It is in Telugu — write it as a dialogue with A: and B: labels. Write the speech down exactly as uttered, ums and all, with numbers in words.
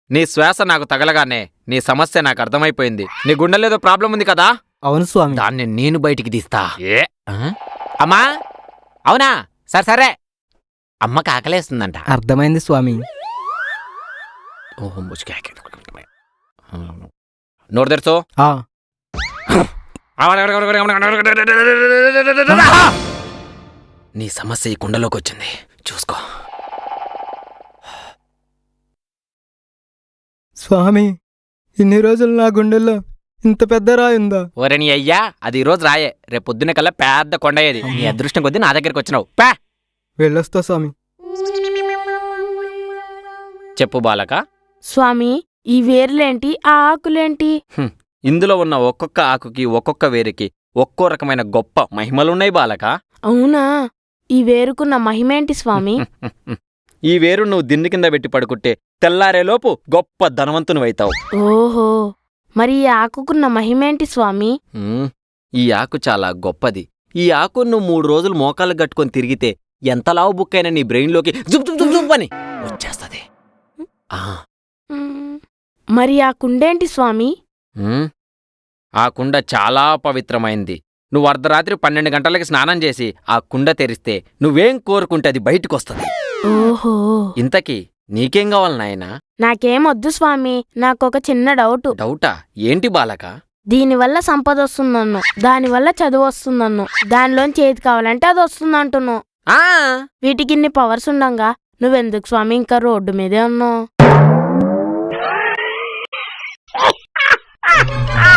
A: నీ శ్వాస నాకు తగలగానే నీ సమస్య నాకు అర్థమైపోయింది. నీ గుండెలేదో ప్రాబ్లం ఉంది కదా?
B: అవును స్వామి.
A: దాన్ని నేను బయటికి తీస్తా. ఏ అమ్మా? అవునా? సరే సరే, అమ్మకి ఆకలేస్తుందంట.
B: అర్థమైంది స్వామి.
A: ఓహో, నోరు తెరుచో. నీ సమస్య ఈ కుండలోకి వచ్చింది, చూసుకో.
B: స్వామి, ఇన్ని రోజులు నా గుండెల్లో ఇంత పెద్ద రాయుందా?
A: ఓరే నీ అయ్యా, అది ఈరోజు రాయే, రేపు పొద్దున్న కల్లా పెద్ద కొండయ్యేది. నీ అదృష్టం కొద్దీ నా దగ్గరికి వచ్చినావు. పా
B: వెళ్ళొస్తా స్వామి.
A: చెప్పు బాలక.
C: స్వామి, ఈ వేర్లేంటి, ఆ ఆకులేంటి?
A: ఇందులో ఉన్న ఒక్కొక్క ఆకుకి ఒక్కొక్క వేరుకి ఒక్కో రకమైన గొప్ప మహిమలున్నాయి బాలక.
C: అవునా? ఈ వేరుకున్న మహిమేంటి స్వామి?
A: ఈ వేరు నువ్వు దిండు కింద పెట్టి పడుకుంటే తెల్లారేలోపు గొప్ప ధనవంతునివైతావు.
C: ఓహో, మరి ఈ ఆకుకున్న మహిమేంటి స్వామి?
A: ఈ ఆకు చాలా గొప్పది. ఈ ఆకు నువ్వు మూడు రోజులు మోకాళ్ళు గట్టుకొని తిరిగితే ఎంత లావు బుక్కైనా నీ బ్రెయిన్లోకి జుప్ జుప్ జుప్ జుప్ అని వచ్చేస్తుంది.
C: మరి ఆ కుండేంటి స్వామి?
A: ఆ కుండ చాలా పవిత్రమైంది. నువ్వు అర్ధరాత్రి పన్నెండు గంటలకి స్నానం చేసి ఆ కుండ తెరిస్తే నువ్వేం కోరుకుంటే అది బయటకొస్తుంది.
C: ఓహో,
A: ఇంతకీ నీకేం కావాలి నాయనా?
C: నాకేమొద్దు స్వామి, నాకొక చిన్న డౌటు.
A: డౌటా? ఏంటి బాలక?
C: దీనివల్ల సంపద వస్తుందన్ను, దానివల్ల చదువు వస్తుందన్ను, దానిలోంచి ఏది కావాలంటే అది వస్తుందంటున్నావు. వీటికి ఇన్ని పవర్స్ ఉండంగా నువ్వెందుకు స్వామి ఇంకా రోడ్డు మీదే ఉన్నావు?